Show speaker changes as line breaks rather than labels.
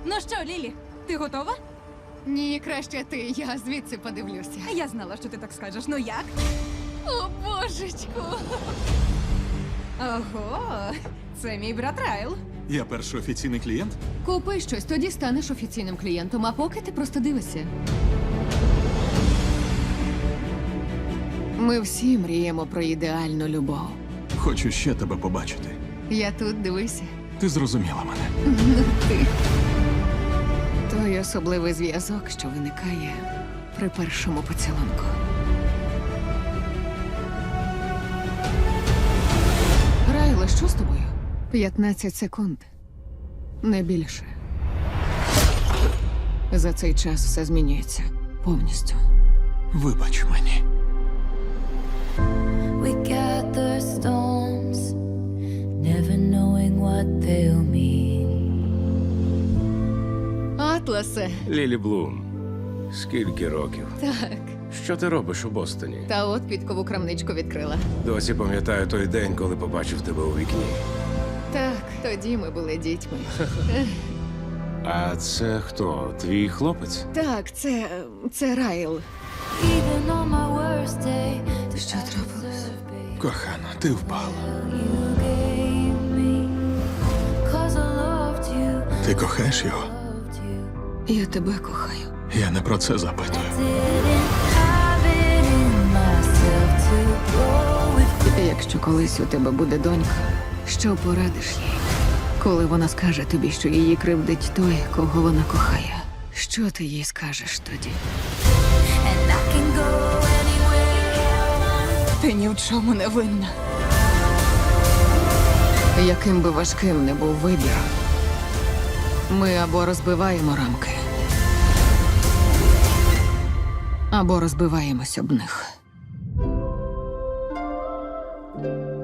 Ну що, Лілі, ти готова?
Ні, краще ти, я звідси подивлюся.
Я знала, що ти так скажеш. Ну як?
О, божечку!
Ого, це мій брат Райл.
Я перший офіційний клієнт?
Купи щось, тоді станеш офіційним клієнтом, а поки ти просто дивишся. Ми всі мріємо про ідеальну любов.
Хочу ще тебе побачити.
Я тут, дивися.
Ти зрозуміла мене.
Ти. Той особливий зв'язок, що виникає при першому поцілунку. Райле, що з тобою? 15 секунд. Не більше. За цей час все змінюється повністю.
Вибач мені.
We gather stones, never knowing what they'll mean.
Атласе.
Лілі Блум, скільки років?
Так.
Що ти робиш у Бостоні?
Та от підкову крамничку відкрила.
Досі пам'ятаю той день, коли побачив тебе у вікні.
Так, тоді ми були дітьми.
А це хто? Твій хлопець?
Так, це Райл.
Even on my worst day,
Що трапилось?
Кохана, ти впала.
you gave me. 'Cause I loved you,
Ти кохаєш його?
loved you.
Я тебе кохаю.
Я не про це запитую.
Didn't have it in myself to go with.
Якщо колись у тебе буде донька, що порадиш їй? Коли вона скаже тобі, що її кривдить той, кого вона кохає, що ти їй скажеш тоді?
And I can go anywhere.
Ти ні в чому не винна.
Яким би важким не був вибір, ми або розбиваємо рамки, або розбиваємось об них.